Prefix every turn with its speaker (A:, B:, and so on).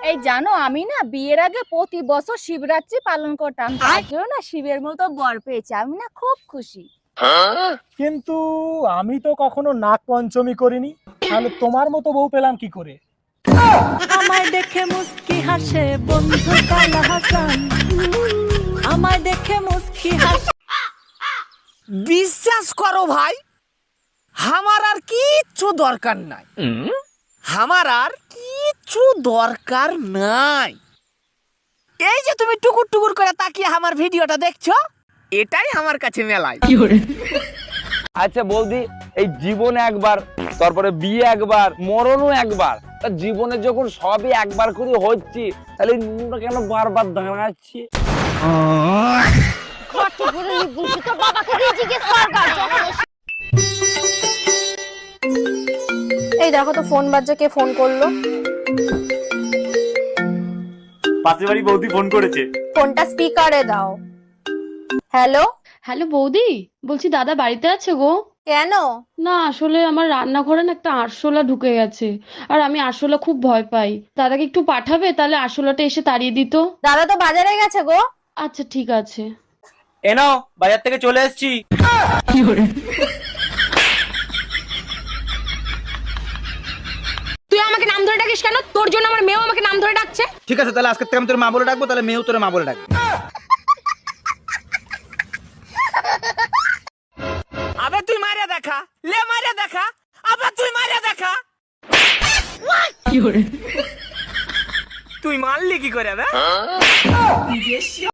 A: এই জানো আমি না বিয়ের আগে প্রতি বছর শিবরাত্রি পালন করতাম, তার জন্য না শিবের মতো বর পেয়েছি, আমি না খুব খুশি।
B: কিন্তু আমি তো কখনো নাগ পঞ্চমী করিনি, তাহলে তোমার মতো বউ পেলাম কি করে?
C: আমায় দেখে মুস্কি হাসে বন্ধু কালা হাসান, আমায় দেখে মুস্কি হাসে।
D: বিশ্বাস করো ভাই, আমার আর কিচ্ছু দরকার নাই, আমার আর কিচ্ছু দরকার নাই। এই যে তুমি টুকুর টুকুর করে তাকিয়ে আমার ভিডিওটা দেখছো, এটাই আমার কাছে মেলায়।
E: আচ্ছা বৌদি, এই জীবনে একবার, তারপরে বিয়ে একবার, মরণও একবার, তা জীবনে যখন সবই একবার করে হচ্ছে, তাহলে নুনটা কেন বারবার দাঁড়াচ্ছি?
F: এই দেখো তো ফোন বাজছে, কে ফোন করলো?
G: পাশের বাড়ি বৌদি ফোন করেছে।
F: ফোনটা স্পিকারে দাও। হ্যালো।
H: হ্যালো বৌদি, বলছি দাদা বাড়িতে আছে গো?
F: কেন?
H: না আসলে আমার রান্নাঘরে না একটা আরশোলা ঢুকে গেছে, আর আমি আরশোলা খুব ভয় পাই। দাদাকে একটু পাঠাবে, তাহলে আরশোলাটা এসে তাড়িয়ে দিত।
F: দাদা তো বাজারে গেছে গো।
H: আচ্ছা ঠিক আছে।
G: এনো, বাজার থেকে চলে এসেছি।
A: তুই আমাকে নাম ধরে ডাকিস কেন? তোর জন্য আমার মেয়েও আমাকে নাম ধরে ডাকছে।
G: ঠিক আছে, তাহলে আজকে থেকে আমি তোর মা বলে ডাকবো, তাহলে মেয়েও তোর মা বলে ডাকবে।
D: আবে তুই মারিয়া দেখা, লে মারিয়া দেখা, আবার তুই মারিয়া দেখা। তুই মারলি কি করে বে?